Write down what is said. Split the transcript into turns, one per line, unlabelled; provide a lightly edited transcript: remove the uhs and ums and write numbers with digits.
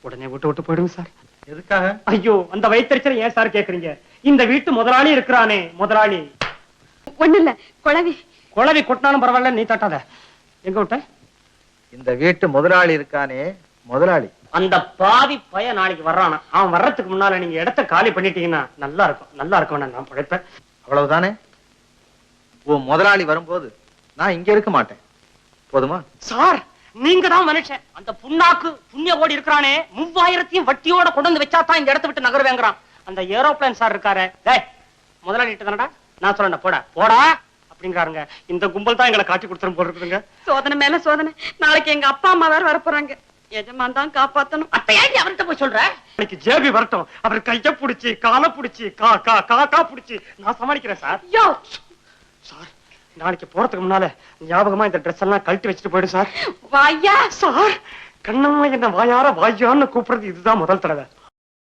உடனே விட்டு விட்டு போயிடுங்க சார்.
எதுக்காக?
ஐயோ, அந்த வயிற்றுச்சலை ஏன் சார் கேக்குறீங்க? இந்த வீட்டு முதலாளி இருக்கிறானே, முதலாளி.
ஒண்ணு இல்ல, குழவி.
குழவி கொட்டினாலும் பரவாயில்ல, நீ தட்டாத. எங்க விட்ட?
இந்த வீட்டு முதலாளி இருக்கானே, முதலாளி.
அந்த பாவி பைய நாளைக்கு வர்றானா? அவன் வர்றதுக்கு முன்னால நீங்க இடத்த காலி பண்ணிட்டீங்கன்னா நல்லா இருக்கும். நல்லா இருக்கும், நான் படைப்பேன்.
அவ்வளவுதானே? உன் முதலாளி வரும்போது நான் இங்க இருக்க மாட்டேன். போதுமா?
சார், நீங்க தான் மனுஷன். அந்த புண்ணாக்கு புண்ணிய ஓடி இருக்கிறானே, 3000 வட்டியோட கொண்டு வந்து வச்சாதான் இந்த இடத்த விட்டு நகருவேங்கிறான். அந்த ஏரோப்ளேன் சார் இருக்காரு, டேய் முதலாளி தானடா, நான் சொல்றேன் போடா போடா அப்படிங்கிறாருங்க. இந்த கும்பல் தான் எங்களை காட்டி கொடுத்துரும் போல இருக்குதுங்க.
சோதனை மேல சோதனை. நாளைக்கு எங்க அப்பா அம்மா வேற வரப்போறாங்க. எஜமான் தான் காப்பாத்தணும்.
அத்தையாண்டி அவர்கிட்ட போய் சொல்ற. இன்னைக்கு ஜேபி வரட்டும், அவர் கைய புடிச்சு காலை புடிச்சு கா புடிச்சு நான் சமாளிக்கிறேன் சார்.
யோ
சார், நாளைக்கு போறதுக்கு முன்னால ஞாபகமா இந்த ட்ரெஸ் எல்லாம் கழட்டி வச்சுட்டு போயிடு சார்.
வாயா
சார், கண்ணம்மா என்ன வாயார வாயான்னு கூப்பிடுறது இதுதான் முதல் தடவை.